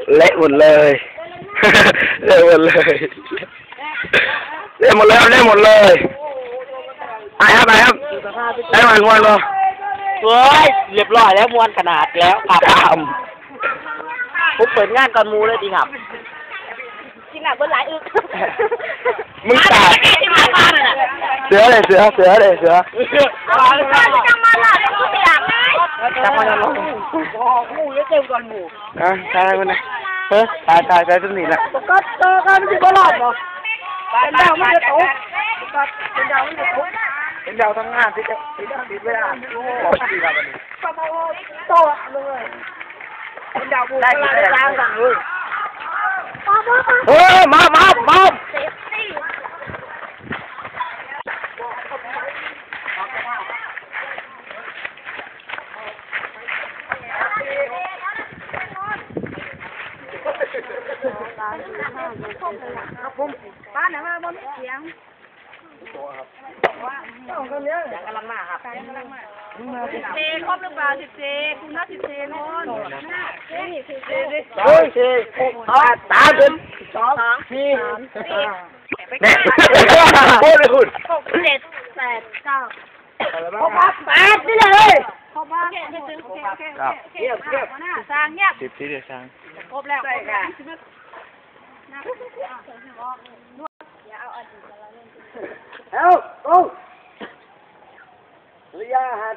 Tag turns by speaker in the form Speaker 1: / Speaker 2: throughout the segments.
Speaker 1: เละหมดเลยเละหมดเลยเละหมดเลยเละหมดเลยไปครับได้มวนบ่
Speaker 2: เฮ้ยเรียบร้อยแล้วมวนขนาดแล้วครับผมเปิดงานก่อนมูเลยดีครับ
Speaker 3: กินหนักเบิ้ลหลายอึก
Speaker 1: มึงตายเสือเลยเสือ
Speaker 3: จังมาละแล้วกูอยากได้
Speaker 2: จังมาแล้วหมูเยอะเต็มก่อนหมู
Speaker 1: ตายคนนี้เฮ้ยตายต้นนี้แหละ
Speaker 2: ก็มันจะบ่รอดบ่เป็นดาวไม่จะตกเป็นดาวไม่จะตกเป็นดาวทั้งงานที่จะติดเวลาโอ้ดีครับวันนี้โตเลยเป็นดาวผู้ได้ล้างกันเลย
Speaker 1: มา
Speaker 3: ครับผมบ้านไหนมาบ่มีเสียง
Speaker 2: กำลังมาครับ
Speaker 3: เซครบหรือเปล่า10 เซคุณน่า10 เซโน่นนี่10 เซดิ
Speaker 1: ตาเป็น
Speaker 3: 2 4
Speaker 1: เนี่ยโอ้ยคุณ
Speaker 3: 6 7 8 9ครับ8นี่เลยครบบ้างโอเคสร้างเงียบ
Speaker 1: 10 ทีเดียวสร้าง
Speaker 3: ครบแล้ว
Speaker 2: ระยะหัด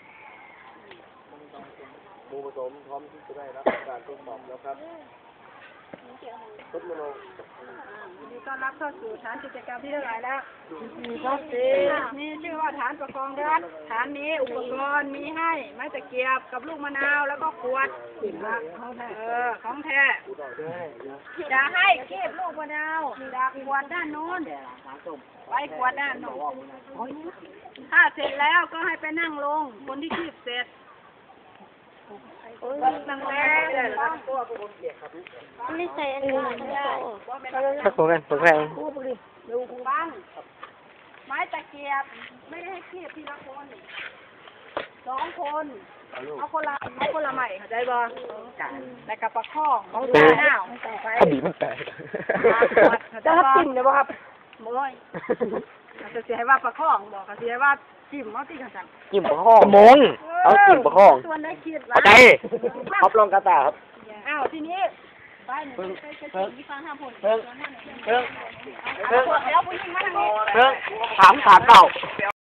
Speaker 2: หมูผสมพร้อมที่จะได้รับการทดสอบแล้วครับทดลอง
Speaker 3: ยินดีต้อนรับเข้าสู่ฐานกิจกรรมที่เท่าไหร่แล้วนี่ชื่อว่าฐานประคองรัฐฐานนี้อุปกรณ์มีให้ไม้ตะเกียบกับลูกมะนาวแล้วก็ขวดของแท้จะให้เก็บลูกมะนาวจากขวดด้านโน้นไว้ขวดด้านโน้นถ้าเสร็จแล้วก็ให้ไปนั่งลงคนที่คีบเสร็จนั่งแรง
Speaker 4: ไม่ใส่อันนี้ได้
Speaker 1: ถ้าโคกันแรง
Speaker 3: ดูบ้างไม้ตะเกียบไม่ได้ให้คีบทีละคน2 คนเอาคนละใหม่เข้าใจบ่แล้วก็ประคองของตาหน้า
Speaker 1: คดีมันแตก
Speaker 3: จะรับจิ้มเลยบ่ครับโอ้ยจะเสียให้ว่าประคองบอกก็เสียว่าจิ้มเอาตีกันสั่น
Speaker 1: จิ้มประคองมงเอาจิ้มประคอง
Speaker 3: ส่วนได้คิด
Speaker 1: ว่าใจ
Speaker 2: ครับลองกระตาครับ
Speaker 3: ทีนี้ไปหนึ่งไปที่ฟังห้าผล
Speaker 2: เพิ่ง
Speaker 3: แล้วผู้หญิงมาทางนี้
Speaker 2: ถามเก่า